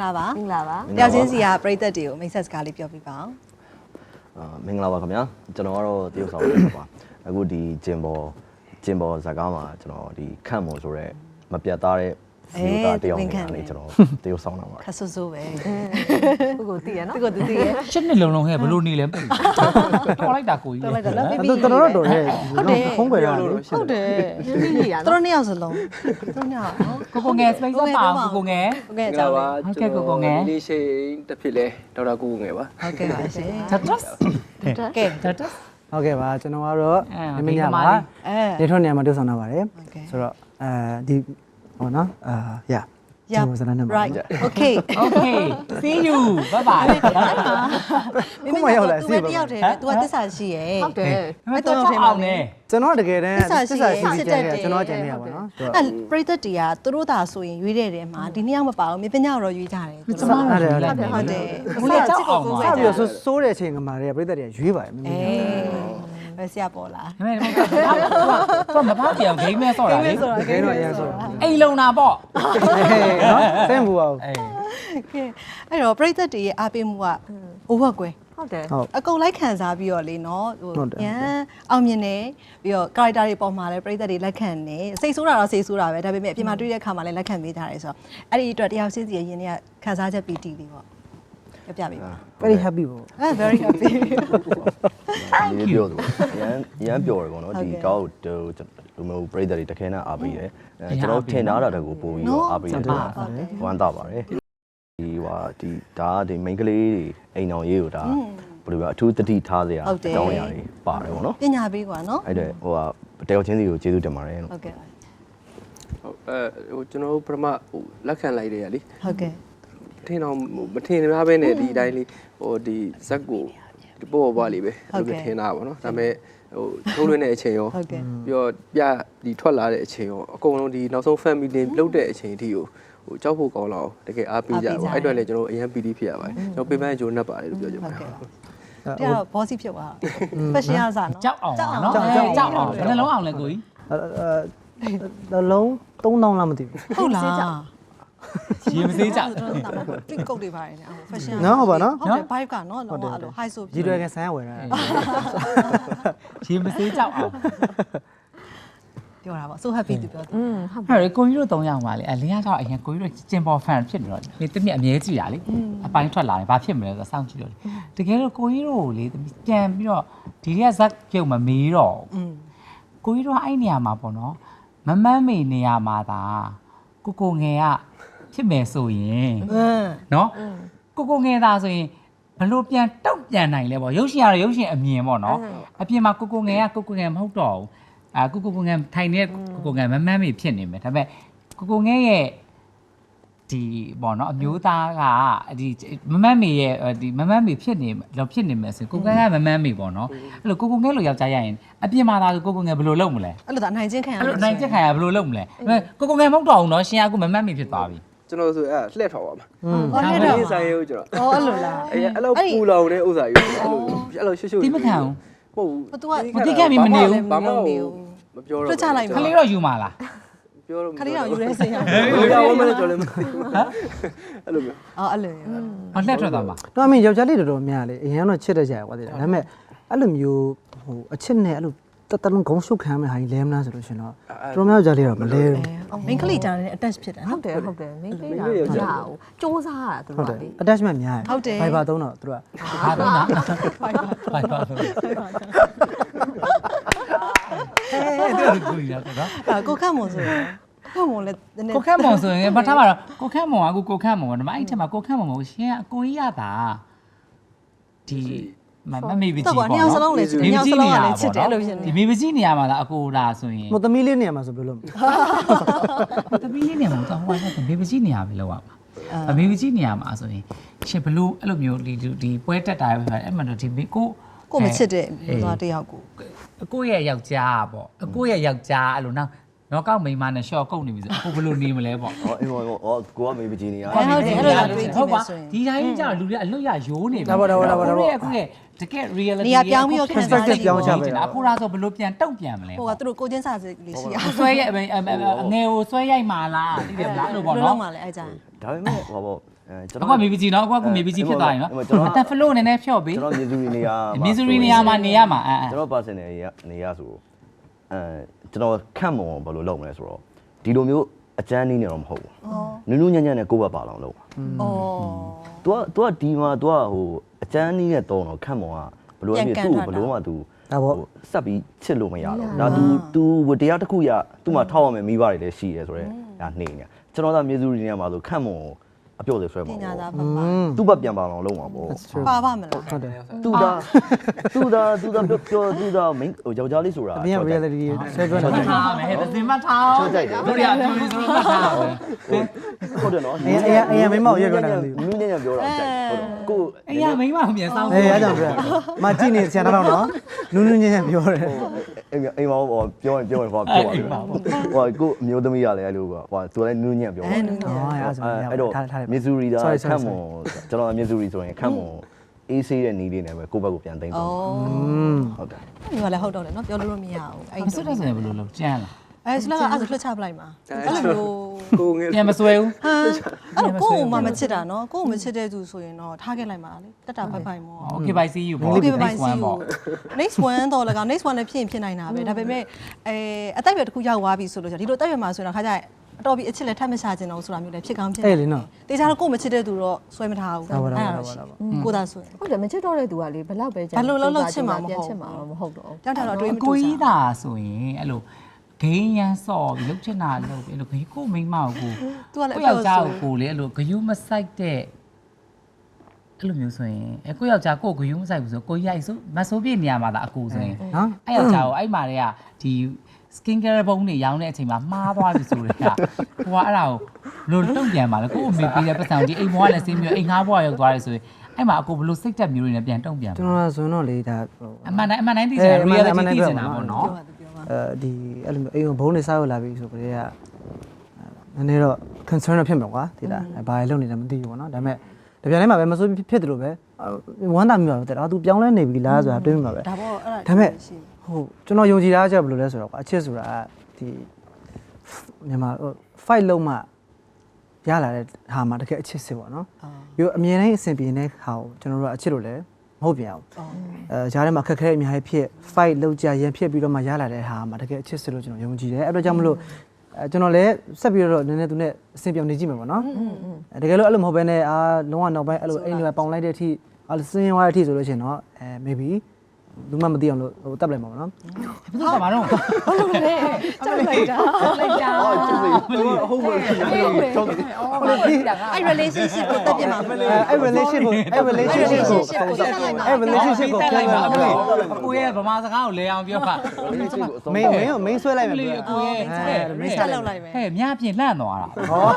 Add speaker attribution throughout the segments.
Speaker 1: လားပါ
Speaker 2: မင်္ဂလာပါ
Speaker 1: တယောက်ချင်းစီကပရိသတ်တွေကိုမိတ်ဆက်စကားလေးပြောပြပါအောင်
Speaker 3: မင်္ဂလာပါခင်ဗျာကျွန်တော်ကတော့တရုတ်ဆောင်နေပါအခုဒီဂျင်ဘောဇာကားမှာကျွန်တော်ဒီခန့်မော်ဆိုရဲမပြတ်သားတဲ့ဒီကတယောက်နေကျွန်တော်တရုတ်ဆောင်တာပါ
Speaker 1: ခက်ဆူဆူပဲ
Speaker 2: ကိုကိုသိရနော်
Speaker 1: သူကသူသိရဲ့
Speaker 4: ရှစ်နှစ်လုံးလုံးဟဲ့ဘလို့နေလဲတော်လိုက်တာကိုကြီး
Speaker 1: တော်လိုက်တော့ပြီး
Speaker 5: တော်တော်တော်ရဲ့ဖုံးကွယ်ရတယ်
Speaker 1: ဟုတ်တယ်
Speaker 2: ရင်းနှီးကြီးရ
Speaker 1: သူ
Speaker 2: နော်
Speaker 1: တို့နှစ်ယောက်စလုံးသူတို့နှစ်ယောက်နော်
Speaker 4: ကိုငယ် space ပါကိုငယ်
Speaker 1: ဟုတ်ကဲ့အကြောင်းလေး
Speaker 4: ဟုတ်ကဲ့ကိုငယ်
Speaker 6: ဒီလေးရှိတစ်ဖြစ်လဲဒေါက်တာကိုငယ်ပါ
Speaker 1: ဟုတ်ကဲ့ပါရှင်
Speaker 4: တတ်
Speaker 1: ကဲ
Speaker 4: တတ်
Speaker 5: ဟုတ်ကဲ့ပါကျွန်တော်ကတော့မင်းညပါ
Speaker 1: အဲ
Speaker 5: နေထွန်းနေရာမှာတွေ့ဆောင်တာပါတယ်
Speaker 1: ဟုတ်ကဲ့
Speaker 5: ဆိုတော့ဒီဟောနော်yeah
Speaker 1: right okay
Speaker 4: okay see you bye bye
Speaker 1: မိမရောက်လာစီးပါ तू တယောက်တည်းပဲ तू ကသစ္စာရှိရဲ့
Speaker 2: ဟုတ်တယ်
Speaker 4: အဲ့တော့အောင်နေ
Speaker 5: ကျွန်တော်တကယ်တမ်း
Speaker 1: သစ္စာရှိရဲ့
Speaker 5: စစ်တယ်ကျွန်တော်ကြံနေရပါတော့
Speaker 1: အဲ့ပရိသတ်တွေကသူတို့သာဆိုရင်ရွေးတဲ့တဲမှာဒီနှစ်ယောက်မပါဘူးမြေပညာတော့ရွေးကြတယ်သူ
Speaker 4: ကျ
Speaker 1: တို့
Speaker 4: မ
Speaker 1: ဟုတ်
Speaker 4: တို့
Speaker 1: တယ်
Speaker 4: ဟုတ်တယ်
Speaker 1: ဘူးလေချစ်ကိုကို
Speaker 5: စ
Speaker 1: ပဲ
Speaker 5: ပြီးတော့စိုးတဲ့အချိန်ကမှလည်းပြိတ္တတွေကရွေးပါတယ်မင်း
Speaker 1: အေး
Speaker 5: ကြီး
Speaker 1: ပဲဆရာပေါ်လာ
Speaker 4: ဒါပေမဲ့တော့မဖောက်ပြောင်ဂိမ်းမဲဆော့တာလေ
Speaker 5: ခဲတော့အရင်ဆို
Speaker 4: အိမ်လုံတာပေါ့
Speaker 5: နော်ဆင်းဘူးပါဦး
Speaker 4: အေး
Speaker 1: ကဲအဲ့တော့ပရိသတ်တွေရဲ့အားပေးမှုကအိုးဝက်ကွယ်
Speaker 2: ဟုတ်တယ်
Speaker 5: ဟုတ်
Speaker 1: အကုန်လိုက်ခံစားပြီးတော့လေနော်ရန်အောင်မြင်နေပြီးတော့ character တွေပေါ်မှာလည်းပရိသတ်တွေလက်ခံနေစိတ်ဆိုးတာတော့စိတ်ဆိုးတာပဲဒါပေမဲ့အပြင်မှာတွေ့တဲ့အခါမှာလည်းလက်ခံပေးကြတယ်ဆိုတော့အဲ့ဒီအတွက်တယောက်ချင်းစီရဲ့ယင်းတွေကခံစားချက်ပီတိလေးပေါ့ပြပြပေးပါ
Speaker 5: very happy ပေါ့
Speaker 1: very happy
Speaker 3: ဒီပြောသူရမ်းပြောတယ်ပေါ့နော်ဒီကောက်တို့မျိုးပရိသတ်တွေတခဲနဲ့အားပေးတယ်ကျွန်တော်ထင်ထားတာတကူပို့ပြီးတော့အားပေးတယ်ဝမ်းသာပါတယ်ဒီဒါဒီ main ကလေးတွေအိမ်အောင်ရေးကိုဒါဘယ်လိုပြောအထူးတတိထားစရာအကြောင်းအရာတွေပါတယ်ပေါ့နော်
Speaker 1: ပညာပေးကွာနော်
Speaker 3: အဲ့ဒါတယောက်ချင်းစီကိုကျေးဇူးတင်ပါတယ်လို့
Speaker 1: ဟုတ်ကဲ့
Speaker 6: ဟုတ်ကျွန်တော်တို့ပထမလက်ခံလိုက်တယ်ရလေ
Speaker 1: ဟုတ်ကဲ့
Speaker 6: ထင်တော့မထင်များပဲနဲ့ဒီအတိုင်းလေးဒီဇက်ကိုဒီပေါ်ပွားလေးပဲအဲ့လိုထင်တာပါနော်ဒါပေမဲ့ထုံးလွှင့်တဲ့အချိန်ရော
Speaker 1: ဟုတ်ကဲ့
Speaker 6: ပြီးတော့ဒီထွက်လာတဲ့အချိန်ရောအကုန်လုံးဒီနောက်ဆုံး family လုတ်တဲ့အချိန်အထိကိုကြောက်ဖို့ကောင်းလာအောင်တကယ်အားပေးကြပါအဲ့အတွက်လည်းကျွန်တော်အရင်ပီတိဖြစ်ရပါတယ်ကျွန်တော်ပေးပန်းဂျိုးနှက်ပါတယ်လို့ပြောချင်ပါတယ်
Speaker 1: ဒီကတော့ bossy ဖြစ်သွားဖက်ရှင်ရစားနော်
Speaker 4: ကြောက်အောင်နော်ကြောက်အောင်ဘယ်နှလုံးအောင်လဲကိုကြီး
Speaker 5: လုံး3000လောက်မသိဘူး
Speaker 1: ဟုတ်လား
Speaker 4: ရေမသေးကြောက်
Speaker 1: တွင်ကုတ်တွေပါတယ်နော် fashion
Speaker 5: နော်ဟုတ်ပါနော်
Speaker 1: ဟုတ်တယ် vibe ကနော်လုံးဝအဲ့လို high ဆို
Speaker 5: ကြီးတွေကန်ဆန်းရဝယ်တာ
Speaker 4: ရေမသေးကြောက်အောင်
Speaker 1: ပြောတာပေါ့ so happy သူပြောတယ်
Speaker 4: အဲ့ဒါကိုကြီးတို့3ယောက်ပါလေအလင်းကတော့အရင်ကိုကြီးတို့ကျင်ပေါ် fan ဖြစ်နေတော့လေတမီးအမြဲကြည့်တာလေအပိုင်းထွက်လာတယ်ဘာဖြစ်မလဲဆိုတော့စောင့်ကြည့်လို့တကယ်လို့ကိုကြီးတို့လေပြန်ပြီးတော့ဒီရက်ဇက်ပြုတ်မမေးတော့ကိုကြီးတို့အဲ့နေရာမှာပေါ့နော်မမန်းမေနေရာမှာဒါကိုငယ်ကဖြစ်မယ်ဆိုရင်နော်ကိုငယ်သားဆိုရင်ဘလို့ပြန်တောက်ပြန်နိုင်လဲပေါ့ရုပ်ရှင်ကတော့ရုပ်ရှင်အမြင်ပေါ့နော်အပြင်မှာကိုငယ်ကကိုငယ်မဟုတ်တော့ဘူးကိုငယ်ထိုင်နေကိုငယ်မမန်းမေဖြစ်နေမယ်ဒါပေမဲ့ကိုငယ်ရဲ့ဒီပေါ့နော်အမျိုးသားကဒီမမန်းမေရဲ့ဒီမမန်းမေဖြစ်နေမယ်ဆိုကိုငယ်ကမမန်းမေပေါ့နော်အဲ့လိုကိုငယ်လိုယောက်ျားရရင်အပြင်မှာသာကိုငယ်ဘယ်လိုလုပ်မလဲ
Speaker 1: အဲ့လိုဒါအနိုင်ချင်းခံရ
Speaker 4: အဲ့လိုနိုင်ချက်ခံရဘယ်လိုလုပ်မလဲကိုငယ်မဟုတ်တော့ဘူးနော်ရှင်ကအခုမမန်းမေဖြစ်သွားပြီ
Speaker 6: ကျွန်တော်ဆိုအဲ့လှည့်ထော်ပါမှာ
Speaker 1: ဟုတ်တယ်တော့
Speaker 6: ဒီဆိုင်ရုပ်ကျွန်တော်
Speaker 1: အော်အဲ့လိုလား
Speaker 6: အဲ့လိုပူလောင်တဲ့ဥစ္စာကြီးအဲ့လိုရှုပ်ရှုပ်
Speaker 4: တိမခံဘူး
Speaker 6: ဟုတ်ဘူး
Speaker 1: သူက
Speaker 4: မတိခဲ့ပြီမနေဘူး
Speaker 6: ဘာမှမပြောတော့
Speaker 1: လွှတ်ချလိုက်
Speaker 4: ခ
Speaker 1: ပါ
Speaker 4: လေးတော့ယူမှာလား
Speaker 6: ပြောတော့
Speaker 1: ခလေးတော့ယူရဲစိတ်ရ
Speaker 6: ပြောဝမလို့ကြော်လည်းမသိဘူးအဲ့လိုမျိုး
Speaker 1: အော်အဲ့လို
Speaker 4: ဟောလှက်ထွက်သွားမှာ
Speaker 5: တော့အမေယောက်ျားလေးတော်တော်များလေအရင်ကတော့ချစ်တဲ့ကြရကွာတဲ့ဒါပေမဲ့အဲ့လိုမျိုးဟိုအချစ်နဲ့အဲ့လိုတလုံးဂုံရှုပ်ခံမဲ့ဟာကြီးလဲမလားဆိုလို့ရှင်တော့တော်များယောက်ျားလေးတော့မလဲဘူး
Speaker 1: အော် main ကလေးတာနဲ့ attach ဖြစ်တယ်
Speaker 2: ဟု
Speaker 1: နော်
Speaker 2: တ်တယ်ဟုတ်တယ်မင်းပေးတာကြာအောင်စူးစားရတာသူ
Speaker 5: ဟုတ်
Speaker 2: တို့
Speaker 5: တယ်
Speaker 2: ကလေ
Speaker 5: attachment များတယ်
Speaker 1: ဟုတ်တယ်
Speaker 5: Viber သုံးတော့သူက
Speaker 4: ဟာတော့နော်ဖိုင်ပါဟဲ့တူကူရတော့
Speaker 1: ကိုခတ်မွန်ဆိုရင်ကိုခတ်မွန်လည်းနည်းနည်း
Speaker 4: ကိုခန့်မုံဆိုရင်ဘာထားမှာတော့ကိုခန့်မုံကကိုခန့်မုံကဓမ္မအဲ့ထက်မှာကိုခန့်မုံကိုရှင်အကိုကြီးရတာဒီမမေပကြီး
Speaker 1: တော့
Speaker 4: ပေါ့
Speaker 1: ညောင်စလုံးလည်းချစ်တယ်ညောင်စလုံးကလည်းချစ်တယ်အဲ့လိုဖြစ်နေ
Speaker 4: ဒီမေပကြီးနေရာမှာလားအကိုလာဆိုရင်
Speaker 5: မသမီးလေးနေရာမှာဆိုဘယ်လိုလုပ်မလဲ
Speaker 4: တပီးလေးနေရာမှာတော့ဟိုကမေပကြီးနေရာပဲလောက်ရမှာအမေပကြီးနေရာမှာဆိုရင်ရှင်ဘလို့အဲ့လိုမျိုးဒီပွဲတက်တာပဲအဲ့မှာတော့ဒီကို
Speaker 1: ကိုမချစ်တဲ့သွားတယောက်ကို
Speaker 4: အကိုရဲ့ယောက်ျားပေါ့အကိုရဲ့ယောက်ျားအဲ့လိုနောက်နော်ကောက်မိန်းမနဲ့ရှော့ကုတ်နေပြီဆိုအခုဘယ်လိုနေမလဲပေါ့
Speaker 3: ဟောအေးဟောကိုကမေးပကြီးနေရ
Speaker 1: ဟုတ်တယ်အဲ့လိုလာတွေးကြည့်မယ်ဆိုရင်
Speaker 4: ဒီတိုင်းကျလူတွေအလွတ်ရရိုးနေပြီ
Speaker 5: ဒါပေါ့ဒါပေါ့ဒါပေါ့ဒါပေါ့
Speaker 4: အခုလေတကယ် reality
Speaker 1: နေရာပြောင်းပြီးတော့ခံစားနေ
Speaker 5: ပြောင်းချပဲ
Speaker 4: အခုလားဆိုဘယ်လိုပြန်တုံ့ပြန်မလဲ
Speaker 1: ဟိုကသူတို့ကိုချင်းစာစစ်လေးရှိအောင်
Speaker 4: ဆွဲရိုက်အငယ်ကိုဆွဲရိုက်မှာလားသိတယ်မလားအဲ့လိုပေါ့
Speaker 1: လုံး
Speaker 4: နော်
Speaker 1: ပါလေအဲ့ကြ
Speaker 3: ဒါပေမဲ့ဟောပေါ့ကျွန်
Speaker 4: အခုမေးပြီးကြည့်နော်အခုမေးပြီးကြည့်ဖြစ်သွားရင်နော်အတက် flow နည်းနည်းဖြော့ပေး
Speaker 3: ကျွန်တော်မြေစုရီနေရာ
Speaker 4: misery နေရာမှာနေရမှာအဲ
Speaker 3: ကျွန်တော် personal နေရဆိုကျွန်တော်ခန့်မွန်ဘယ်လိုလုပ်မလဲဆိုတော့ဒီလိုမျိုးအကျန်းနည်းနေတော့မဟုတ်ဘူးနူးနူးညံ့ညံ့နဲ့ကိုယ့်ဘက်ပါအောင်လုပ်
Speaker 1: ဩ
Speaker 3: तू ကဒီမှာ तू ကဟိုအကျန်းနည်းနဲ့တုံးတော့ခန့်မွန်ကဘယ်လိုဖြစ်သူ့ဘယ်လိုမှ तू ဆက်ပြီးချစ်လို့မရတော့ဒါ तू ဝတရားတစ်ခုရသူ့မှာထောက်ရမယ်မိဘတွေလည်းရှိရဲဆိုတော့ဒါနေနေကျွန်တော်ကမြေစုရီနေရာမှာဆိုခန့်မွန်အပြုတ်လေးဆွဲ
Speaker 1: ပ
Speaker 3: မှာ
Speaker 1: ညာ
Speaker 3: ပေါ့
Speaker 1: သားပါပါ
Speaker 3: သူ့ဘက်ပြန်ပါအောင်လုပ်မှာပေါ့
Speaker 1: ပါပါမလား
Speaker 5: ဟုတ်တယ်
Speaker 3: သူဒါပြောသူဒါမင်းဟိုယောက်ျားလေးဆိုတာ
Speaker 5: အပြင် reality ဆွဲပြောနေတာ
Speaker 4: ထားမယ်သင်မထားတို့ရအပြူလေးဆိုတော့ထားမယ်
Speaker 3: ဟုတ်တယ်နော်
Speaker 5: အေးမင်းမောက်ရွက်ပြောနေတာမသိဘူး
Speaker 3: နူးညံ့ညံ့ပြောတာကြိုက်ဟုတ်တော့ကို
Speaker 4: အေးရမိန်းမပြန်ဆောင်
Speaker 5: အေးအဲ့ကြောင့်ပြောမကြည့်နေဆရာတော်နော်နူးနူးညံ့ညံ့ပြောတယ်
Speaker 3: အိမ်မှာဟောပြောရင်ဟောပြောပါလိမ့်မယ်ဟိုကိုအမျိုးသမီးရလဲအဲ့လိုဟိုသူလည်းနူးညံ့ပြောပါတယ် အဲ့တော့မစ်ဇူရီဒါခန့်မွန်ကျွန်တော်မစ်ဇူရီဆိုရင်ခန့်မွန်အေးဆေးတဲ့နေလေးနဲ့ပဲကိုယ့်ဘက်ကိုပြန်သိမ်းသွားဟုတ်တယ်
Speaker 1: ဒီကလည်းဟုတ်တော့လေနော်ပြောလို့မရဘူးအဲ့
Speaker 4: ဆွတ်တယ်ဆိုရင်ဘယ်လိုလုပ်ကြမ်းလား
Speaker 1: အဲ့ဆိုတော့အဲ့ဆိုလွှတ်ချပလိုက်မှာအဲ့လိုမျိုး
Speaker 6: ကိုငယ်
Speaker 4: ပြန်မဆွဲဘူး
Speaker 1: ဟာအဲ့ကိုကိုမှမချစ်တာနော်ကိုကိုမချစ်တဲ့သူဆိုရင်တော့ထားခဲ့လိုက်ပါလေတက်တာဖိုက်ဖိုက်မော
Speaker 4: Okay bye see you ပေါ့
Speaker 1: Okay bye see you next one တော့လည်းကောင် next one လည်းဖြစ်ရင်ဖြစ်နိုင်တာပဲဒါပေမဲ့အသက်အရွယ်တစ်ခုရောက်သွားပြီဆိုလို့ဒီလိုအသက်အရွယ်မှာဆိုရင်တော့ခါကြအတော်ပြီးအချစ်လည်းထပ်မရှာချင်တော့ဆိုတာမျိုးလည်းဖြစ်ကောင်းဖြစ်
Speaker 5: အဲ့လေနော်
Speaker 1: တေချာတော့ကိုမချစ်တဲ့သူတော့ဆွဲမထားဘူးကိုသာဆွဲ
Speaker 2: ဟုတ်တယ်မချစ်တော့တဲ့သူကလေဘလောက်ပဲကြာပြန်ချစ်မှာတော့မဟုတ်တော့
Speaker 1: တောင်းတာတော့တွေးမ
Speaker 4: အ
Speaker 1: တူ
Speaker 4: ကို
Speaker 1: ဘူး
Speaker 4: ကြီးသာဆိုရင်အဲ့လိုဂိမ်းရန်စော်ပြီးလုတ်ချင်တာလုတ်ပြီးအဲ့လိုဂိမ်းကိုမိန်းမကို
Speaker 1: သူကလည်း
Speaker 4: ကိုယောက်ျားကိုလေအဲ့လိုဂယုမဆိုင်တဲ့အဲ့လိုမျိုးဆိုရင်ကိုယောက်ျားကိုဂယုမဆိုင်ဘူးဆိုကိုရိုက်ဆိုမဆိုးပြနေရမှာဒါအကူဆိုရင်
Speaker 5: နော်
Speaker 4: အဲ့ယောက်ျားကိုအဲ့မှာတွေကဒီ skin care ဘုံတွေရောင်းတဲ့အချိန်မှာမှားသွားပြီဆိုတော့ကိုကအဲ့ဒါကိုလို့တုံ့ပြန်ပါလေကိုအမေပေးတဲ့ပတ်စံဒီအိမ်ဘွားလည်းစင်းမျိုးအိမ်ငါးဘွားရောက်သွားတယ်ဆိုရင်အဲ့မှာအကိုဘလို့စိတ်တက်မျိုးတွေနဲ့ပြန်တုံ့ပြန်
Speaker 5: ကျွန်တော်ဆိုတော့လေဒါ
Speaker 4: အမှန်တိုင်းသိချင်တာ reality သိချင်တာပေါ့နော်
Speaker 5: ဒီအဲ့လိုအိမ်ဘုံနေစားရလာပြီဆိုကြတဲ့ကနည်းနည်းတော့ concern တော့ဖြစ်မှာကွာဒီလားဘာလဲလုပ်နေလဲမသိဘူးပေါ့နော်ဒါပေမဲ့တပြိုင်တည်းမှာပဲမဆိုးဖြစ်တယ်လို့ပဲဝမ်းသာမိပါပဲတဲ့သူပြောင်းလဲနေပြီလားဆိုတာတွေးမိပါပဲ
Speaker 1: ဒါပေါ့အဲ့
Speaker 5: ဒါပေမဲ့ဟိုကျွန်တော်ယုံကြည်တာကဘယ်လိုလဲဆိုတော့အချစ်ဆိုတာဒီမြန်မာ fight လုံးမှရလာတဲ့ဟာမှာတကယ်အချစ်စစ်ပေါ့နော်ပြီးတော့အမြင်တိုင်းအဆင်ပြေတဲ့ဟာကိုကျွန်တော်တို့ကအချစ်လို့လည်းမဟုတ်ပြန်ဘူးကြားထဲမှာခက်ခဲအများကြီးဖြစ် fight လုံးကြရန်ဖြစ်ပြီးတော့မှရလာတဲ့ဟာမှာတကယ်အချစ်စစ်လို့ကျွန်တော်ယုံကြည်တယ်အဲ့တော့ကြောင့်မလို့ကျွန်တော်လည်းဆက်ပြီးတော့နည်းနည်းသူနဲ့အဆင်ပြေနေကြည့်မယ်ပေါ့နော်တကယ်လို့အဲ့လိုမဟုတ်ဘဲနဲ့လုံးဝနောက်ပိုင်းအဲ့လိုအိမ်တွေပေါင်လိုက်တဲ့အထိစင်းသွားတဲ့အထိဆိုလို့ရှိရင်တော့maybe လူမမသိအောင်လို့ဟိုတက်လိုက်မှာပေါ့နော်
Speaker 4: ဘယ်သူကမတော့
Speaker 2: ဟုတ်လို့လေကြောက်လိုက်တာ
Speaker 4: လိုက်တာ
Speaker 3: ဟုတ်ပါဘူး
Speaker 1: အဲ့ relationship ကိုတက်ပြမှာမလို့
Speaker 5: အဲ့ relationship ကိုအဲ့ relationship ကိုအဲ့ relationship ကိုပြန်လာမလို့
Speaker 4: အကိုရဲ့ဗမာစကားကိုလဲအောင်ပြောပါ
Speaker 5: မင်းဆွဲလိုက်မယ်
Speaker 4: လေအကိုရဲ့
Speaker 1: မင်းဆက်လောက်လိုက်မယ်
Speaker 4: ဟဲ့မြပြင်းလှန့်သွားတာ
Speaker 5: ဟော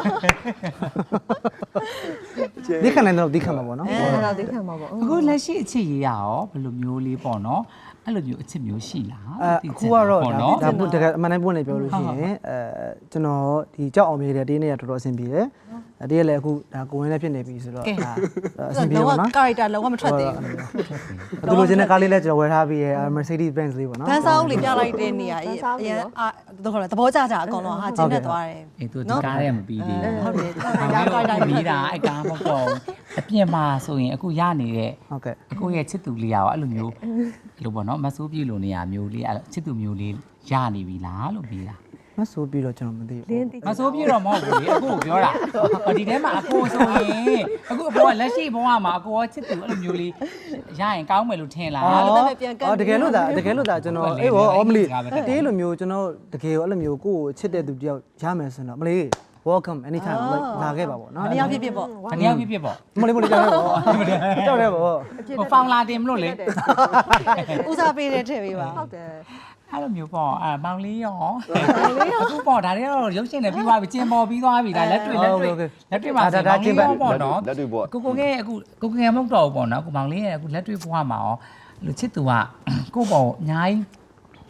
Speaker 5: ဒီခဏနဲ့တော့ဒီခဏမှာပေါ့နော်
Speaker 2: အဲ့ဒါသိခံမှာပေါ့
Speaker 4: အခုလက်ရှိအချစ်ရေးရရောဘယ်လိုမျိုးလေးပေါ့နော်အဲ့လိုမျိုးအချစ်မျိုးရှိလား
Speaker 5: အခုကတော့ဒါပုတကယ်အမှန်တမ်းပွင့်နေပြောလို့ရှိရင်ကျွန်တော်ဒီကြောက်အောင်မြေတဲ့တေးနေရတော်တော်အဆင်ပြေတယ်တေးရလည်းအခုဒါကိုဝင်လည်းဖြစ်နေပြီဆိုတော့ဒါအဆင်ပြေပါနော်
Speaker 1: character လုံးဝမထွက်သေးဘူး
Speaker 5: သူလိုချင်တဲ့ကားလေးလည်းကျွန်တော်ဝယ်ထားပြီးရ Mercedes Benz လေးပေါ့နော်
Speaker 1: ဘန်းစားဦးလေးပြလိုက်တဲ့နေရာအရင်တော့သဘောကျကြအကောင်လုံးဟာကျင်းနေသွားတယ်
Speaker 4: အေးသူဒီကားရဲမပြီးသေးဘူး
Speaker 1: ဟုတ်တယ်
Speaker 4: character ပြီးတာအဲ့ကားမပေါ့အပြင်မှာဆိုရင်အခုရနေတဲ့
Speaker 5: ဟုတ်ကဲ့
Speaker 4: အကိုရဲ့ချစ်သူလေးရောအဲ့လိုမျိုးအဲ့လိုပေါ့နော်မဆိုးပြေလို့နေရမျိုးလေးအဲ့ချစ်သူမျိုးလေးရနေပြီလားလို့ပြီးတာ
Speaker 5: မဆိုပြီးတော့ကျွန်တော်မသိဘူး
Speaker 4: မဆိုးပြေတော့မဟုတ်ဘူးလေအခုကိုပြောတာဒီထဲမှာအကိုဆိုရင်အခုအကိုကလက်ရှိဘဝမှာအကိုကချစ်သူအဲ့လိုမျိုးလေးရရင်ကောင်းမယ်လို့ထင်လား
Speaker 5: တကယ်လို့ဒါကျွန်တော်အေးဟောမလီတေးလိုမျိုးကျွန်တော်တကယ်အဲ့လိုမျိုးကိုယ့်ကိုချစ်တဲ့သူတယောက်ရမယ်ဆိုတော့မလီ welcome anytime လာခဲ့ပါပေါ့နော်
Speaker 1: မရောက်ဖြစ်ဖြစ်ပေါ့
Speaker 4: တနည်းဖြစ်ပေါ့
Speaker 5: မလေးကြောက်တယ်ပေါ့ကြောက်တယ်ပေါ့
Speaker 4: ဟိုဖောင်လာတင်မလို့လေ
Speaker 1: ဦးစားပေးတဲ့ထည့်ပေးပါ
Speaker 2: ဟုတ်တယ်
Speaker 4: အဲ့လိုမျိုးပေါ့မောင်လေးရောအခုပေါ့ဒါတွေတော့ရုပ်ရှင်နဲ့ပြီးသွားပြီကျင်ပေါ်ပြီးသွားပြီဒါလက်တွေ့မှာပေါ့နော်
Speaker 3: လက်တွေ့ပေါ့
Speaker 4: ကိုငယ်အခုကိုငယ်မဟုတ်တော့ဘူးပေါ့နော်ကိုမောင်လေးရဲ့အခုလက်တွေ့ဘဝမှာရောလူချစ်သူကကိုပေါ့အများကြီး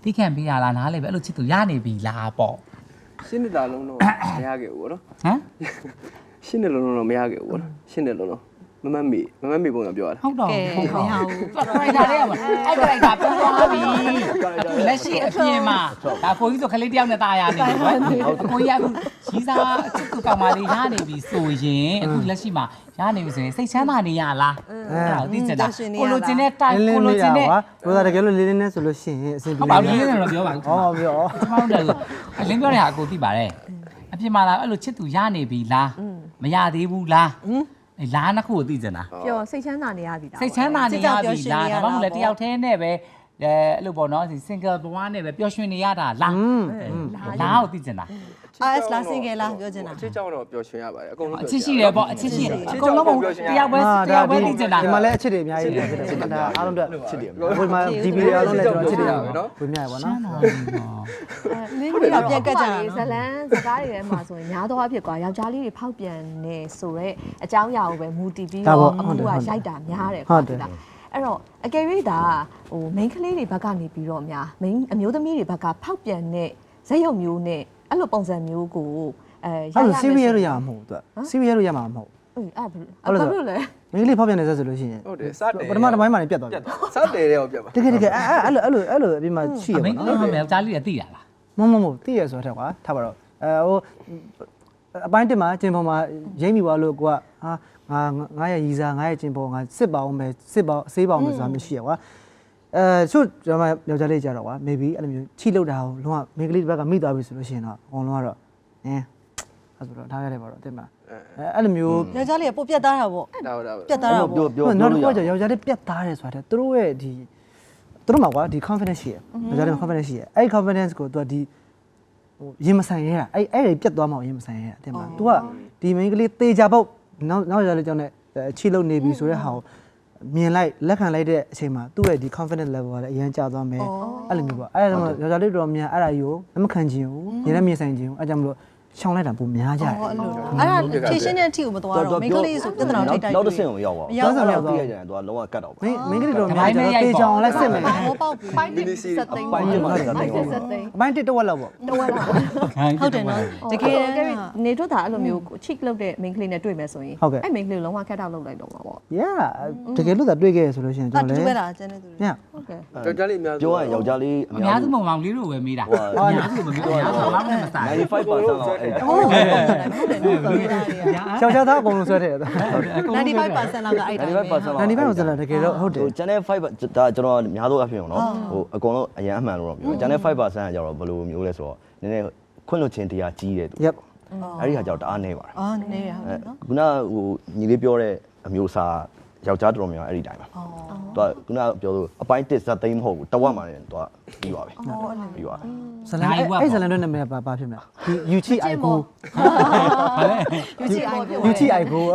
Speaker 4: တိခံပေးရလားနားလေပဲအဲ့လိုချစ်သူရနေပြီလားပေါ့
Speaker 6: ရှင်းနေတာလုံးတော့မရခဲ့ဘူးပေါ့နော်
Speaker 4: ဟမ်
Speaker 6: ရှင်းနေလုံးတော့မရခဲ့ဘူးပေါ့နော်ရှင်းနေလုံးတော့မမမေပုံစံပြောရတာ
Speaker 4: ဟုတ်တော့
Speaker 1: ကဲမရဘူး
Speaker 4: ခရိုက်တာလေးကအဲ့ခရိုက်တာပြောသွားပြီလက်ရှိအပြင်မှာဒါကိုကြီးဆိုခလေးတယောက်နဲ့ตายရနေတယ်ကွယ်ကိုကြီးကအခုရီးစားအချစ်သူကောင်မလေးရနေပြီဆိုရင်အခုလက်ရှိမှာရနေပြီဆိုရင်စိတ်ချမ်းသာနေရလားအဲ့ဒါသိချင်တာကိုလိုချင်တဲ့တိုက်ကိုလိုချင်တဲ့
Speaker 5: ဘယ်လိုတကယ်လို့လေးလေးနဲ့ဆိုလို့ရှိရင်အဆင်ပြေ
Speaker 4: ဟုတ်ပါဘူးလေးနဲ့တော့ပြောပါဘူး
Speaker 5: ဟောပြော
Speaker 4: ကျမတို့လည်းအလင်းပြောတဲ့ဟာအကိုသိပါတယ်အပြင်မှာလာအဲ့လိုချစ်သူရနေပြီလားမရသေးဘူးလားအဲလားနှစ်ခုကိုသိချင်တာ
Speaker 2: ပြောစိတ်ချမ်းသာနေရပြီလား
Speaker 4: စိတ်ချမ်းသာနေရပြီလားဒါမှမဟုတ်လေတယောက်တည်းနဲ့ပဲအဲ့လိုပေါ့နော် single ဘဝနဲ့ပဲပျော်ရွှင်နေရတာလားလားကိုသိချင်တာ
Speaker 1: RS လား single လားပြောချင်တာ
Speaker 6: အချစ်ကြောင့်တော့ပျော်ရွှင်ရပါတယ်အကုန်လုံး
Speaker 4: အချစ်ရှိတယ်ပေါ့အချစ်ရှိတယ်အကုန်လုံးတယောက်ပဲသိချင်တာ
Speaker 5: ဒီမှာလည်းအချစ်တွေအများကြီးဖြစ်တယ်ဒါအားလုံးအတွက်အချစ်တွေဘယ်မှာဒီဗီဒီယိုအားလုံးလည်းကျွန်တော်အချစ်တွေရပါတော့ဝေမျှရပါနော်
Speaker 1: လင်းပြီးတော့ပြန်ကတ်ကြတာ
Speaker 2: ဇလန်းစကားတွေထဲမှာဆိုရင်များသောအားဖြင့်ကွာယောက်ျားလေးတွေဖောက်ပြန်နေဆိုတော့အကြောင်းအရာကိုပဲမူတည်ပြီးတော့အခုကရိုက်တာများတယ်ကွာအဲ့တော့အကယ်၍ဒါဟို main ကလေးတွေဘက်ကနေပြီးတော့များ main အမျိုးသမီးတွေဘက်ကဖောက်ပြန်တဲ့ဇက်ရုပ်မျိုးနဲ့အဲ့လိုပုံစံမျိုးကို
Speaker 5: အဲ့လို serial လို့ရမှာမဟုတ်သူက serial လို့ရမှာမဟုတ်
Speaker 2: အဲ့ဘာလို့လဲ
Speaker 5: မင်းလေးဖောက်ပြန်နေစဆိုလို့ရှိရင်
Speaker 6: ဟုတ်တယ်စတယ်
Speaker 5: ပထမတစ်ပိုင်းမှာနေပြတ်သွားပြီ
Speaker 6: စတယ်တဲ့ကိုပြတ်ပါ
Speaker 5: တကယ်အဲ့လိုအပြင်မှာရှိရ
Speaker 4: မ
Speaker 5: ပါ
Speaker 4: င်း
Speaker 5: တော့
Speaker 4: တို့ကယောက်ျားလေးတွေသိရလား
Speaker 5: မဟုတ်သိရဆိုတော့ကွာထားပါတော့ဟိုအပိုင်းတင်မှာကျင်ပေါ်မှာရိမ့်မိသွားလို့ကိုကဟာငါရဲ့ရီစာငါရဲ့ကျင်ပေါ်ငါစစ်ပါအောင်ပဲစစ်ပါဆေးပါအောင်ပဲဆိုတာမျိုးရှိရကွာချို့ကျွန်မယောက်ျားလေးကြတော့ကွာ maybe အဲ့လိုမျိုးချိလောက်တာကိုလုံးဝမိန်းကလေးတစ်ဘက်ကမိသွားပြီဆိုလို့ရှိရင်တော့အကုန်လုံးကတော့အဲ့ဆိုတော့ထားရတယ်ပါတော့တင်မလားအဲ့လိုမျိုး
Speaker 1: ယောက်ျားလေးကပို့ပြတ်သားတာပေါ့
Speaker 6: ဒါ
Speaker 1: ပြတ်သားတာပေါ့
Speaker 3: ပြော
Speaker 5: နောက်တစ်
Speaker 3: လို့
Speaker 5: ခု
Speaker 3: ရ
Speaker 5: ကယောက်ျားလေးပြတ်သားတယ်ဆိုတာသူတို့ရဲ့ဒီသူတို့မှာကွာဒီ confidence ရှိရယောက်ျားလေး confidence ရှိရအဲ့ confidence ကိုသူကဒီဟိုရင်မဆိုင်ရတာအဲ့ပြတ်သွားမှရင်မဆိုင်ရတာတင်မလား तू ကဒီမိန်းကလေးတေချာပုတ်နောက်ယောက်ျားလေးကြောင့်ねချီလုံးနေပြီဆိုတဲ့ဟာကိုမြင်လိုက်လက်ခံလိုက်တဲ့အချိန်မှာသူ့ရဲ့ဒီ confidence level ကလည်းအရင်ကျသွားမယ်အဲ့လိုမျိုးပေါ့အဲ့ဒါကြောင့်ယောက်ျားလေးတော်များအဲ့ဒါကြီးကိုလက်မခံခြင်းဘူးမြင်လည်းမြင်ဆိုင်ခြင်းဘူးအဲ့ကြောင့်မလို့ရှောင်းလိုက်တာပုံများကြတယ်
Speaker 1: အဲ့လိုအဲ့ဒါဖြည့်ရှင်းတဲ့အထိကိုမသွားတော့မိန်းကလေးဆိုပြဿနာထိတ်တိုက်
Speaker 3: နောက်တစ်ဆင့်ကိုရောက်ပါဘူးသိရကြတယ်သူကလုံးဝကတ်တော့ပါ
Speaker 5: မင်းကလေးတော်များကြတော့တေချောင်းလည်းစစ်မယ်
Speaker 1: ဟောပေါက်ပြီ
Speaker 2: ပိုင်းတစ်စက်သိန်း
Speaker 3: ပိုင်းတစ်မှာစက်သိန်း
Speaker 2: စက်သိန်း
Speaker 5: အပိုင်းတစ်တော့လောက်ပေါ့
Speaker 2: တော့လာ
Speaker 1: ဟုတ်တယ်နော်တကယ်
Speaker 2: နေတို့တာအဲ့လိုမျိုး cheek လုပ်တဲ့ main ကလေးနဲ့တွေ့မယ်ဆိုရင်အဲ့ main ကလေးကိုလုံးဝ cut out လုပ်လိုက်တော့မှာပေါ့
Speaker 5: yeah တကယ်လို့သာတွေ့ခဲ့ရဆိုလို့ရှိရင်
Speaker 1: အ
Speaker 5: ကျွန်
Speaker 1: တူ
Speaker 5: တော်
Speaker 1: ပဲ
Speaker 5: လည်း
Speaker 1: လားကျန်တဲ့သူတွေ
Speaker 5: ည
Speaker 2: ဟုတ်ကဲ့
Speaker 6: ယောက်ျားလေးအများ
Speaker 3: ပြောရရင်ယောက်ျားလေး
Speaker 4: အများစုမောင်မောင်လေးတို့ပဲမေးတာအများစုမမေးဘူးအများစုမောင်နဲ့မဆိုင်
Speaker 3: 95%လောက်အဲ့
Speaker 1: ဟုတ်တယ်ဟုတ်တယ်နော်ပြောတာတွေက
Speaker 5: ယောက်ျားသားအကုန်လုံးဆွဲတယ်
Speaker 1: 95%လောက်ကအဲ့တိုင်းပဲ
Speaker 3: 95%
Speaker 5: 95%တကယ်တော့ဟုတ်တယ်
Speaker 3: ဟို channel 5ဒါကျွန်တော်အများဆုံးအဖြစ်အောင်နော်ဟိုအကုန်လုံးအရန်အမှန်လို့တော့ပြော channel 5%ကကြတော့ဘယ်လိုမျိုးလဲဆိုတော့နည်းနည်းခွင့်လွှတ်ခြင်းတရားကြီးတယ်သူ
Speaker 5: yep
Speaker 3: အဲ့ဒီဟာကြောင့်တအားနေပါတယ်
Speaker 1: အော်နေရဟုတ်နော်
Speaker 3: ခုနဟိုညီလေးပြောတဲ့အမျိုးအစားယောက်ျားတော်တော်များအဲ့ဒီတိုင်းပါသူကခုနပြောလို့အပိုင်းတစ်ဇက်သိမ်းမဟုတ်ဘူးတဝက်မှလည်းသူကပြီးပါပဲပြီးပါ
Speaker 5: ဇလန်အဲ့ဇလန်တို့နာမည်ဘာဖြစ်မလဲယူချီအိုင်ကို
Speaker 4: ဘာလဲ
Speaker 1: ယူချီအိုင်ကို
Speaker 5: ယူချီအိုင်ကို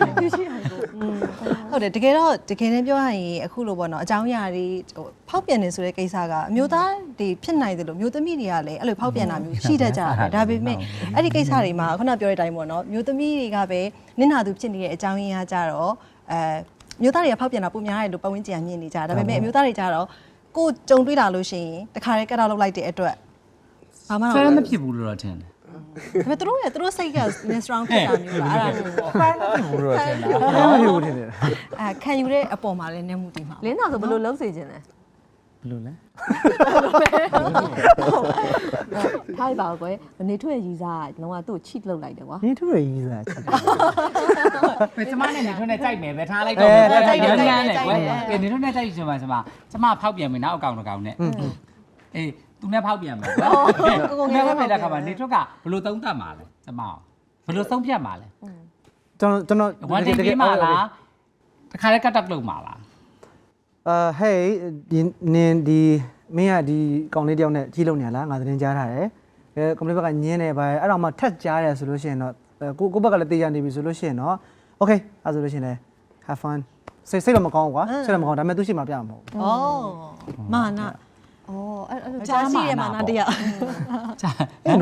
Speaker 1: ဟုတ်တယ်တကယ်တော့တကယ်တမ်းပြောရရင်အခုလိုပေါ့နော်အကြောင်းအရာတွေဟိုဖောက်ပြန်နေဆိုတဲ့ကိစ္စကအမျိုးသားတွေဖြစ်နိုင်တယ်လို့မျိုးသမီးတွေကလည်းအဲ့လိုဖောက်ပြန်တာမျိုးရှိတတ်ကြတယ်ဒါပေမဲ့အဲ့ဒီကိစ္စတွေမှာခုနပြောတဲ့အတိုင်းပေါ့နော်မျိုးသမီးတွေကပဲနင့်နာသူဖြစ်နေတဲ့အကြောင်းရင်းအားကြတော့မျိုးသားတွေကဖောက်ပြန်တာပုံများတယ်လို့ပတ်ဝန်းကျင်ကမြင်နေကြတာဒါပေမဲ့အမျိုးသားတွေကြတော့ကိုကြုံတွေ့လာလို့ရှိရင်တခါတည်းကတ်တော့လုပ်လိုက်တဲ့အတွက်ဘာမှတော့
Speaker 4: ဖဲမဖြစ်ဘူးလို့တော့ထင်တယ်
Speaker 1: ဒါပေမဲ့သူတို့စိတ်က strong ဖြစ်တာမျိုးလားအဲ့ဒါမျိုးပေါ့
Speaker 4: ဖဲမဖြစ်ဘူးလို့ထင်တာ
Speaker 5: ဘာမှမဖြစ်ဘူးထင်တယ်
Speaker 1: ခံယူတဲ့အပေါ်မှာလည်းနည်းမှုတည်မှာ
Speaker 2: လင်းသားဆိုဘယ်လိုလုပ်စေခြင်းလဲ
Speaker 4: ဘယ်လိုလဲ
Speaker 2: ထားပါကွယ်နေထွက်ရည်စားလုံးဝသူ့ cheat လုပ်လိုက်တယ်ကွာ
Speaker 5: နင်းထူရရေးစားချစ်
Speaker 4: ဘယ်ကျမနဲ့နေထွန်းနဲ့ကြိုက်မယ်ပဲထားလိုက်တော့ကြိုက်တယ်ညမ်းတယ်ကွယ်ကဲနေထွန်းနဲ့ကြိုက်ချင်ပါကျမဖောက်ပြန်ပြီနောက်အကောင်တစ်ကောင်နဲ့အေးသူနဲ့ဖောက်ပြန်မယ်ကွယ်ကိုငယ်ဖောက်ပြန်တဲ့ခါမှာနေထွန်းကဘယ်လိုသုံးသပ်မှာလဲကျမဘယ်လိုသုံးဖြတ်မှာလဲ
Speaker 5: ကျွန်တော်
Speaker 4: ဝန်တင်ပေးမှာလားတခါလေးကတ်တက်လုပ်မှာလား
Speaker 5: hey ဒီနင်းဒီမင်းကဒီကောင်လေးတယောက်နဲ့ကြီးလုံနေလားငါသတင်းကြားထားတယ်ကွန်ပလီဘက်ကညင်းနေပါအဲ့တော့မှထက်ကြားတယ်ဆိုလို့ရှိရင်တော့ကိုဘက်ကလည်းတေးရနေပြီဆိုလို့ရှိရင်တော့ okay အဲ့ဆိုလို့ရှိရင်လည်း have fun စိတ်တော့မကောင်းဘူးကွာစိတ်တော့မကောင်းဒါပေမဲ့သူရှိမှပြမှာမဟုတ်ဘူး
Speaker 1: ဩမာန
Speaker 2: အော်အဲ့လို
Speaker 1: ကြားရှိရမာနတရား
Speaker 5: အဲ့နော်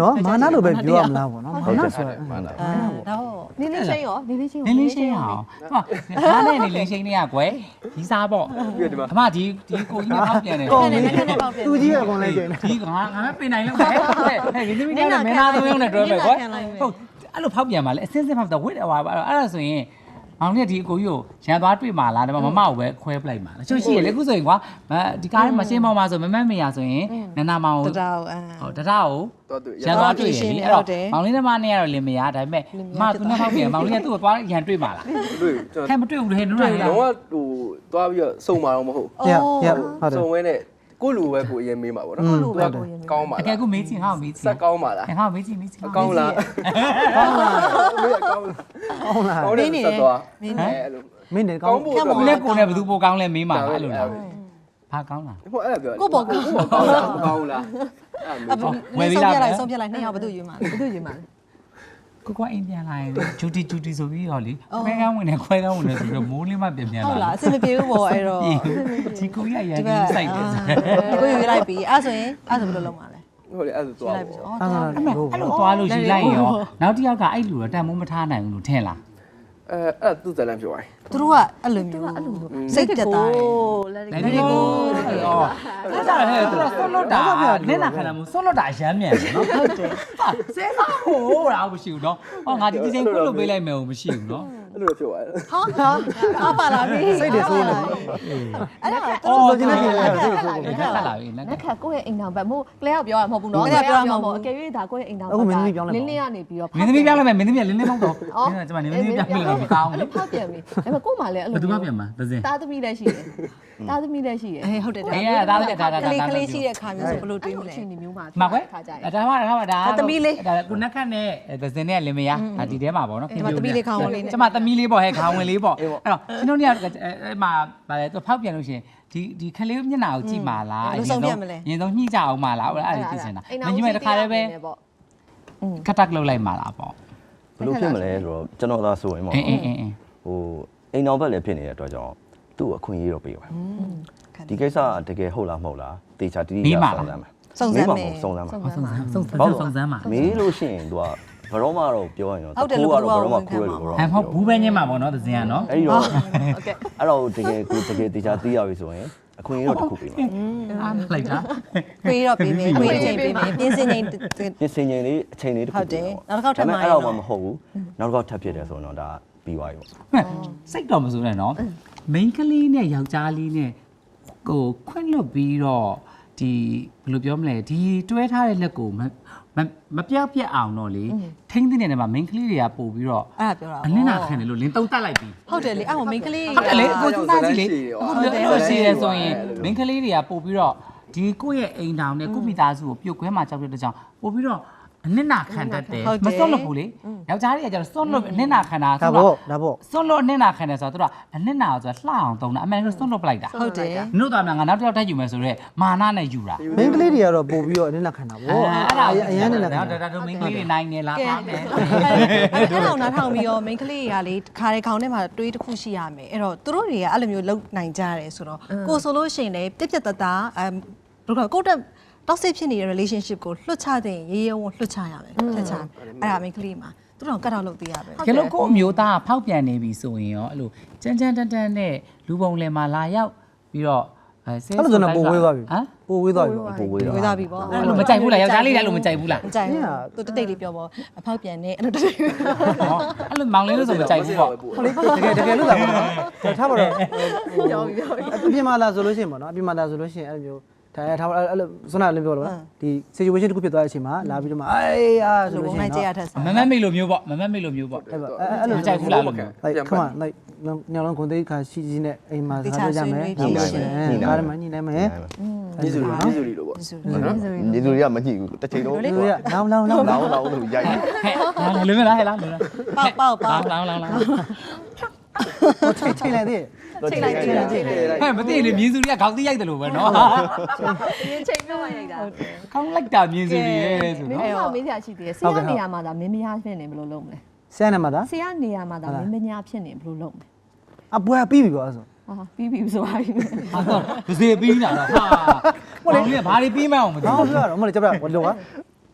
Speaker 5: နော်မာနလို့ပဲပြောရမလားပေါ့နော်မာနဆိုတော့
Speaker 3: မှန်တာ
Speaker 1: တော့
Speaker 2: နေလေးချင်းရောနေလေးချင်း
Speaker 4: နင်းလေးရှင်းအောင်ဟာဒါနဲ့နေလေးရှင်းနေရကွယ်ဒီစားပေါ့အမဒီကိုကြီးနဲ့ဖောက်ပြန်တယ်
Speaker 1: ကောင်းတယ်နဲ့နဲ့ပေါက်ပြန်
Speaker 5: သူကြီးပဲအကုန်လိုက်ကျင်း
Speaker 4: ဒီငါမပင်နိုင်လို့ပဲဟဲ့ဒီသမီးကလည်းမင်းသားသုံးယောက်နဲ့တွဲမယ်ကွယ်ဟုတ်အဲ့လိုဖောက်ပြန်ပါလေအစင်းစင်းဖောက်တော့ဝစ်တယ်ဟွာအဲ့ဒါဆိုရင်မောင်လေးကဒီအကိုကြီးကိုရန်သွားတွေ့မှာလားဒါမှမမကိုပဲခွဲပလိုက်မှာလားချို့ရှိရလေအခုဆိုရင်ကွာဒီကားထဲမှာရှင်းမောင်မှာဆိုမမမေရဆိုရင်နန္နာမောင်ကို
Speaker 1: တတောက်
Speaker 4: ဟုတ်တရကို
Speaker 6: တော့သူ
Speaker 4: ရန်သွားတွေ့ရင်လေအဲ့တော့မောင်လေးနဲ့မနဲ့ကတော့လင်မယားဒါပေမဲ့မသူနဲ့ဖောက်ပြန်မောင်လေးကသူ့ကိုသွားရန်တွေ့မှာလား
Speaker 6: တွေ့ကျွန်
Speaker 4: ဟဲ့မတွေ့ဘူးလေနုံး
Speaker 6: တော်
Speaker 4: ရ
Speaker 6: တော့ဟိုသွားပြီးတော့စုံမှာတော့မဟုတ်
Speaker 5: ရရဟုတ်တယ်
Speaker 6: စုံဝဲနဲ့ကိုလူပဲကိုအရင်မေးမှာပေါ့နော်ကောင်းပါ
Speaker 4: တကယ်ကိုမေးချင်ဟောမေးချင်
Speaker 6: ဆက်ကောင်းပါလား
Speaker 4: ဟောမေးချင်မေးချင်
Speaker 6: ကောင်းလားကောင်းလားမေးကောင်း
Speaker 5: ဟုတ်လား
Speaker 6: ကောင်းတယ်ဆက်သွားအဲ့လို
Speaker 5: မင်းနေကော
Speaker 6: ကော
Speaker 5: င်း
Speaker 6: င်းဖို့
Speaker 4: ကိုလည်းကိုလည်းဘယ်သူပိုကောင်းလဲမေးမှာလားအဲ့လိုလားဘာကောင်းလား
Speaker 6: ဟိုအဲ့ဒါပြော
Speaker 1: ကိုပေါ့ကို
Speaker 6: ကောင်းလားကောင်းလား
Speaker 1: ဝယ်ပြီးလားဆုံးပြလိုက်နှစ်ယောက်ဘယ်သူယူမှာလဲ
Speaker 2: ဘယ်သူရင်မှာလဲ
Speaker 4: ကိုအိမ်ပြန်လာရင်ဂျူတီဆိုပြီးတော့လေခွဲကန်းဝင်နေခွဲကန်းဝင်နေဆိုပြီးတော့မိုးလေးမှပြန်လာ
Speaker 1: ဟုတ်လားအဆင်မပြေဘူးပေါ့အဲ့တော့
Speaker 4: ဒီကိုရရန်စိုက်တယ်
Speaker 1: ကိုယူလိုက်ပြီအဲ့ဆိုရင်အဲ့ဆိုဘယ်လိုလုပ်မှာလဲ
Speaker 6: ဟုတ်လေအဲ့ဒါသွား
Speaker 1: လိုက်ပြီ
Speaker 6: ပေါ့
Speaker 1: ဩ
Speaker 5: အဲ့ဒါ
Speaker 4: အဲ့လိုသွားလို့ယူလိုက်ရောနောက်တစ်ယောက်ကအဲ့လူတော့တန်မိုးမထားနိုင်ဘူးလို့ထင်လား
Speaker 6: အဲ့သူ့ဇလန်ပြောရတယ်
Speaker 1: သူတို့ကအဲ့လိုမျိုးစိတ်တက်တာတယ်
Speaker 2: လက်
Speaker 4: နိုင်ဒီကိုအော်အဲ့ဒါဟဲ့သူကဆွလွတ်တာနင်းနာခန္ဓာမို့ဆွလွတ်တာရမ်းမြန်နော်ဟုတ်တယ်ဆဲစားဟိုးတာမရှိဘူးနော်ဟောငါဒီချိန်ကိုလို့ပေးလိုက်မယ်မရှိဘူးနော်
Speaker 6: အဲ့လိုပြောရတယ်
Speaker 1: ဟာအားပါလာပြီ
Speaker 5: စိတ်တွေဆိုးနေ
Speaker 1: အဲ့ဒါ
Speaker 4: အော်
Speaker 5: လိုချင်တဲ့ပြင်လဲစိတ်ဆိုး
Speaker 4: ခက်လာပြီလက်
Speaker 2: လက်ခတ်ကိုယ့်ရဲ့အိမ်တော်ဘက်မို့ကလေးကပြောရမှာမဟုတ်ဘူးနော်အကယ်၍ဒါကိုယ့်ရဲ့အိမ်တော်ဘက်ကလင်းလင်းကနေပြီးတော့
Speaker 4: မင်းသမီးပြောင်းလိုက်မယ်မင်းသမီးကလင်းလင်းမောက်တော့ကျွန်မနေမင်းသမီးပြောင်းပြီးတော့မကောင်း
Speaker 2: အဲ့
Speaker 4: ဘူး
Speaker 2: လိုဖောက်ပြန်ပြီဒါပေမဲ့ကို့မှာလည်းအဲ့
Speaker 4: ဘယ်သူ
Speaker 2: လို
Speaker 4: ကပြန်မှာသစင်
Speaker 2: တာသမီးလည်းရှိတယ်တာသမီးလည်းရှိတယ်
Speaker 1: အေးဟုတ်တယ်
Speaker 4: အေးဒါလည်းဒါ
Speaker 1: ကလေးရှိတဲ့ခါမျိုးဆိုဘယ်လိုတွေးမလဲ
Speaker 2: အချိန်ဒီမျိုးမှာ
Speaker 4: မှာကွယ်
Speaker 2: ခါကြတယ်
Speaker 4: ဒါမှဒါဒါ
Speaker 1: သမီးလေး
Speaker 4: ဒါကုနက်ခတ်နဲ့သစင်နဲ့လင်မယားဒီထဲမှာပေါ့နော်
Speaker 1: ဒီမှာသမီးလေးခေါင်းဝင်လေးနဲ့
Speaker 4: ကျမသမီးလေးပေါ့ဟဲ့ခေါင်းဝင်လေးပေါ့အဲ့တော့ကျွန်တော်တို့ကအဲ့မှာဗါလေသူဖောက်ပြန်လို့ရှင်ဒီခလေးမျက်နှာကိုကြည့်ပါလားရင်ဆုံးညှိကြအောင်ပါလားအဲ့ဒါအဲ့ဒီသိချင်တာမင်းကြီးမဲ့တခါတည်းပဲကတ်တက်လုပ်လိုက်မှာလားပေါ့
Speaker 3: ဘယ်လိုဖြစ်မလဲဆိုတော့ကျွန်တော်သာဆိုရင်ပေါ့
Speaker 4: အင်း
Speaker 3: ဟိုအိမ်တော်ဘက်လည်းဖြစ်နေတဲ့အတွက်ကြောင့်သူ့အခွင့်အရေးတော့ပေးပါဒီကိစ္စတကယ်ဟုတ်လားမဟုတ်လားတေချာတီးတီးစုံစမ်းမယ်
Speaker 1: စုံစမ်းမယ်
Speaker 3: စုံစမ်းမှာ
Speaker 4: စုံစမ်းမှာ
Speaker 3: မေးလို့ရှိရင်သူကဘယ်တော့မှတော့ပြောရင်တော့
Speaker 1: ဟုတ်တယ်လို့
Speaker 3: ဘယ်တော့မှခိုးရလို့တော့
Speaker 4: ဟမ်ဟုတ်ဘူးပဲညင်းမှာပေါ့နော်သစင်ကနော်
Speaker 3: အဲ့ဒီတော့
Speaker 1: ဟုတ်ကဲ့
Speaker 3: အဲ့တော့တကယ်ကိုတကယ်တေချာတီးရပြီဆိုရင်အခွင့်အရေးတော့တစ်ခုပေးပါ
Speaker 4: အားလိုက်တာ
Speaker 1: ခွေးတော့ပေးမယ်ခွေးချိန်ပေးမယ်ပြင်းစင်ချိန်
Speaker 3: ပြင်ဆင်ချိန်လေးအချိန်လေးတစ်ခု
Speaker 1: ဟုတ်တယ်နောက်တစ်ခေါက်ထပ်မှာ
Speaker 3: အဲ့တော့မှမဟုတ်ဘူးနောက်တစ်ခေါက်ထပ်ဖြစ်တယ်ဆိုတော့ဒါပြီးသွားပြီပေါ့
Speaker 4: စိတ်တော်မစိုးနဲ့နော်မိန်းကလေးနဲ့ယောက်ျားလေးနဲ့ကိုခွင့်လွတ်ပြီးတော့ဒီဘယ်လိုပြောမလဲဒီတွဲထားတဲ့လက်ကိုမပြောက်ပြက်အောင်တော့လေထိန်းသိနေတဲ့မှာမိန်းကလေးတွေကပို့ပြီးတော့
Speaker 1: အဲ့ဒါပြောတာ
Speaker 4: အလင်းနာခံတယ်လို့လင်းတုံးတက်လိုက်ပြီ
Speaker 1: ဟုတ်တယ်လေအဲ့ဟိုမိန်းကလေး
Speaker 4: ဟုတ်တယ်လေကိုစူးစမ်းကြည့်လေဟုတ်တယ်လို့ရှိရဲဆိုရင်မိန်းကလေးတွေကပို့ပြီးတော့ဒီကိုယ့်ရဲ့အိမ်တောင်နဲ့ကိုမိသားစုကိုပြုတ်ခွဲမှာကြောက်တဲ့ကြောင်ပို့ပြီးတော့အနစ်နာခံတတ်တယ်မစွန့်လို့ဘူးလေယောက်ျားတွေကကျတော့စွန့်လို့အနစ်နာခံတာ
Speaker 5: ဒါပေါ့ဒါပေါ့
Speaker 4: စွန့်လို့အနစ်နာခံတယ်ဆိုတော့သူကအနစ်နာကိုဆိုလှအောင်သုံးတာအမှန်တော့စွန့်လို့ပလိုက်တာ
Speaker 1: ဟုတ်တယ်
Speaker 4: နုသားများငါနောက်တစ်ယောက်တက်ယူမယ်ဆိုတော့မာနနဲ့ယူတာ
Speaker 5: မင်းကလေးတွေကတော့ပို့ပြီးတော့အနစ်လက်ခံတာပေါ့အရင်နဲ့လက်ခံ
Speaker 4: ဒါတို့မင်းကလေးတွေနိုင်နေလားပါမယ်
Speaker 1: အဲ့တော့နားထောင်ပြီးတော့မိန်းကလေးတွေကလေခါတဲ့ခေါင်းထဲမှာတွေးတစ်ခုရှိရမယ်အဲ့တော့သူတို့တွေကအဲ့လိုမျိုးလုံနိုင်ကြတယ်ဆိုတော့ကိုဆိုလို့ရှိရင်လေပြက်ပြက်တသားဘယ်လိုကိုတက်toxic ဖြစ်နေတဲ့ relationship ကိုလွှတ်ချတဲ့ရေးရဲဝလွှတ်ချရမယ်ဖြတ်ချအဲ့ဒါမိန်းကလေးမှာသူတို့ကတ်တော့လုပ်သေးရပဲ
Speaker 4: ကဲလို့ကိုအမျိုးသားဖောက်ပြန်နေပြီဆိုရင်ရောအဲ့လိုကြမ်းကြမ်းတန်းတန်းနဲ့လူပုံလယ်မှာလာရောက်ပြီးတော့ဆဲ
Speaker 5: အဲ့လိုဆိုတော့ပို့ဝေးသွားပြီ
Speaker 4: ဟမ်
Speaker 5: ပို့ဝေးသွားပြီ
Speaker 3: ပိုဝေး
Speaker 1: ဝေး
Speaker 3: တော့
Speaker 1: သားပြီပေါ့
Speaker 4: အဲ့လိုမကြိုက်ဘူးလားယောက်ျားလေးလည်းအဲ့လိုမကြိုက်ဘူးလား
Speaker 1: မကြိုက်ဘူးသူတတိတ်လေးပြောပေါ့အဖောက်ပြန်နေအဲ့လိုတတိတ်
Speaker 4: ဟောအဲ့လိုမောင်လေးလို့ဆိုမကြိုက်ဘူးပေါ့
Speaker 5: ဟုတ်လေတကယ်လို့သာပေါ့နော်ထားပါတော့အပြင်မှာလာဆိုလို့ရှိရင်ပေါ့နော်အပြင်မှာလာဆိုလို့ရှိရင်အဲ့လိုမျိုးထားအဲ့လိုစွမ်းနာလည်းပြောလို့ဒီ situation တစ်ခုဖြစ်သွားတဲ့အချိန်မှာလာပြီးတော့မှအေးအားဆို
Speaker 1: လို
Speaker 5: လို့
Speaker 1: ပုံ
Speaker 5: ရှိရင်
Speaker 1: နိုင်ကြရ
Speaker 5: တော့
Speaker 1: ထက်စား
Speaker 4: မမမေလိုမျိုးပေါ့မမမေလိုမျိုးပေါ့
Speaker 5: အဲ့လို
Speaker 4: မကြိုက်ဘူးလားလို့
Speaker 5: like come on like ညောင်လုံးကုန်သေးခါရှိကြီးနဲ့အိမ်မှာစားကြမယ်ကားထဲမှာညှိနှိုင်းမယ်
Speaker 6: ညီစုလီလို့ပေါ့
Speaker 3: ညီသူတွေကမကြည့်ဘူးတစ်ချိန်လုံး
Speaker 5: လူရလောင်း
Speaker 3: လောင်းလို့ရိုက်တယ်
Speaker 4: ဟဲ့လွယ်မလားဟဲ့လားလွယ်လား
Speaker 1: ပေါက်
Speaker 4: လောင်း
Speaker 5: ဟိုချိန်လိုက်သေး
Speaker 1: ချိန်လိုက်
Speaker 4: ဟဲ့မသိရင်မြင်းစုတွေကခေါင်းသိရိုက်တယ်လို့ပဲနော်
Speaker 2: ရင်ချိန်ပြောရရိုက်တာ
Speaker 4: ခေါင်းလိုက်တာမြင်းစုတွေရဲ့ဆို
Speaker 2: မင်း
Speaker 4: နော်
Speaker 2: ကမင်းစရာရှိသေးတယ်ဆရာနေရာမှာဒါမင်းမယားဖြစ်နေဘယ်လိုလုပ်မလဲ
Speaker 5: ဆရာနဲ့မှာဒါ
Speaker 2: ဆရာနေရာမှာဒါမင်းမညာဖြစ်နေဘယ်လိုလုပ်မလဲ
Speaker 5: အပွဲပြီးပြီကွာဆို
Speaker 2: ဟာပြီးပြီဆိုပါပြီ
Speaker 4: ဟာတော့ဒစေပြီးတာလားဟာမောင်လေးကဘာတွေပြီးမအောင်မသိ
Speaker 5: ဟော
Speaker 4: ဘူး
Speaker 5: ပြောရတော့မလေးကြပြဘယ်လိုကဆ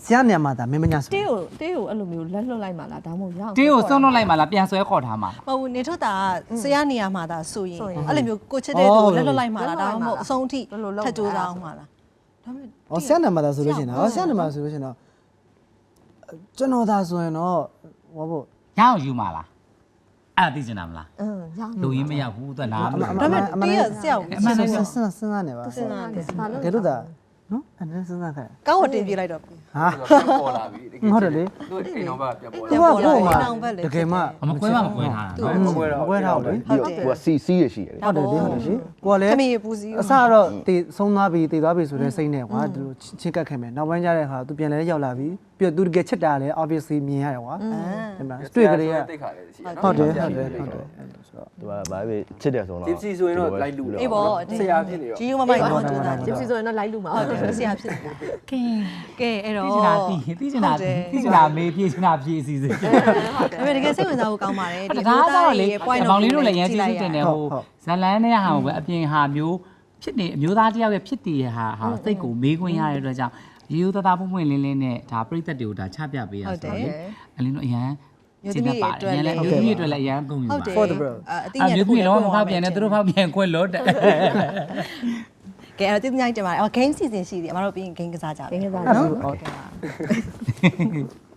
Speaker 5: ဆရာနေရာမှာဒါမင်းမညာဆို
Speaker 2: တေးကိုအဲ့လိုမျိုးလက်လွတ်လိုက်မှလားဒါမှမဟုတ်ရအောင်
Speaker 4: တင်းကိုစွန့်လွတ်လိုက်မှလားပြန်ဆွဲခေါ်ထားမှာ
Speaker 1: မဟုတ်ဘူးနေထွက်တာဆရာနေရာမှာဒါဆိုရင်အဲ့လိုမျိုးကိုချစ်တဲ့သူလက်လွတ်လိုက်မှာလားဒါမှမဟုတ်အဆုံးထိထပ်ကြိုးစားအောင်မှာလားဒါပေမဲ့
Speaker 5: ။ဟောဆရာနေရာမှာဒါဆိုလို့ရှိရင်တော့ဆရာနေရာမှာဆိုလို့ရှိရင်တော့ကျွန်တော်ဒါဆိုရင်တော့ဟောဖို့
Speaker 4: ရအောင်ယူမှာလားအဲ့ဒါသိချင်တာမလား
Speaker 2: ရအောင်
Speaker 4: လူရင်းမရောက်ဘူးသူကနားမ
Speaker 1: ဒါပေမဲ့တီးရဆရာကို
Speaker 5: အမှန်တည်းစဉ်းစားနေပါ
Speaker 1: စဉ်းစားတယ်
Speaker 2: ဘာလို့
Speaker 5: ကဲလို့ဒါနော်အဲ့ဒါစဉ်းစားခဲ့
Speaker 1: ကောင်းဝတင်ပြလိုက်တော့
Speaker 5: ဟာ
Speaker 6: ပေါ်လာပြီ
Speaker 5: ဟုတ်တယ်လေ
Speaker 6: သူအိမ်တော်ဘက်ပြန်ပေါ်
Speaker 5: သူ
Speaker 6: လာ
Speaker 5: ကကို့မှာ
Speaker 1: နောင်ဘက်လေ
Speaker 5: တကယ်မှ
Speaker 4: မကွဲထားတာနော်
Speaker 5: မကွဲတော့လေ
Speaker 3: ပြီးတော့သူကစီစီရရှိတယ်
Speaker 5: ဟုတ်တယ်လေဟုတ်တယ်ရှင်ကိုကလည်း
Speaker 1: ခမီပူစီ
Speaker 5: အစတော့တည်ဆုံးသွားပြီတည်သွားပြီဆိုတဲ့စိတ်နဲ့ကွာသူချင်းကပ်ခဲ့မယ်နောက်ပိုင်းကျတဲ့အခါသူပြန်လဲရောက်လာပြီပြီးတော့သူတကယ်ချစ်တာလည်း obviously မြင်ရတယ်ကွာအဲ့မှာတွေ့ကြရ
Speaker 6: တိတ်ခါလေးရှိ
Speaker 5: ဟုတ်တယ်ဆိုတော့
Speaker 3: သူကဘာပဲချစ်တယ်ဆိုတော့
Speaker 6: ဂျစ်စီဆိုရင်တော့လိုက်လူ
Speaker 1: အေးပေါ့
Speaker 6: ဆရာဖြစ်နေရော
Speaker 1: ဂျီယူမမိုက်တော့တူတာ
Speaker 2: ဂျစ်စီဆိုရင်တော့လိုက်လူမှာ
Speaker 1: ဟုတ်တယ်ဆရာဖြစ်နေတာ
Speaker 4: ကဲ
Speaker 1: ကဲအဲ့တော့
Speaker 4: သိချင်တာသိချင်တာမေးပြေးချင်တာပြေးအစီအစဉ်
Speaker 1: ဒါပေမဲ့တကယ်စိတ်ဝင်စားဖို့ကောင်းပါတယ်
Speaker 4: ဒါကတော့လေဘောင်လေးတို့လည်းရမ်းကျေးဇူးတင်တယ်ဟိုဇလန်းနဲ့ဟာပဲအပြင်ဟာမျိုးဖြစ်နေအမျိုးသားတယောက်ရဲ့ဖြစ်တည်ရဲ့ဟာစိတ်ကိုမေးခွန်းရတဲ့အတွက်ကြောင့်ရိုးသားသားပွင့်ပွင့်လင်းလင်းနဲ့ဒါပြိသက်တွေကိုဒါချပြပေးရဆိုတော့လေအလင်းတို့အရန်ကျေးဇူးပါတယ်အရန်လည်းမျိုးသမီးတွေလည်းအရန်ကုန်ယူပါ
Speaker 1: ဟုတ်တယ်အတိညာ
Speaker 4: မျိုးသမီးလုံးဝမဖောက်ပြန်နဲ့သူတို့ဖောက်ပြန်ခွက်လို့တဲ့
Speaker 1: ကဲအဲ့တော့တင်ပြလိုက်တင်ပါတယ်အော် game season ရှိသေးတယ်အမတို့ပြီးရင် game ကစားကြပါ
Speaker 2: ငယ်ကစား
Speaker 1: နော်
Speaker 5: ဟုတ်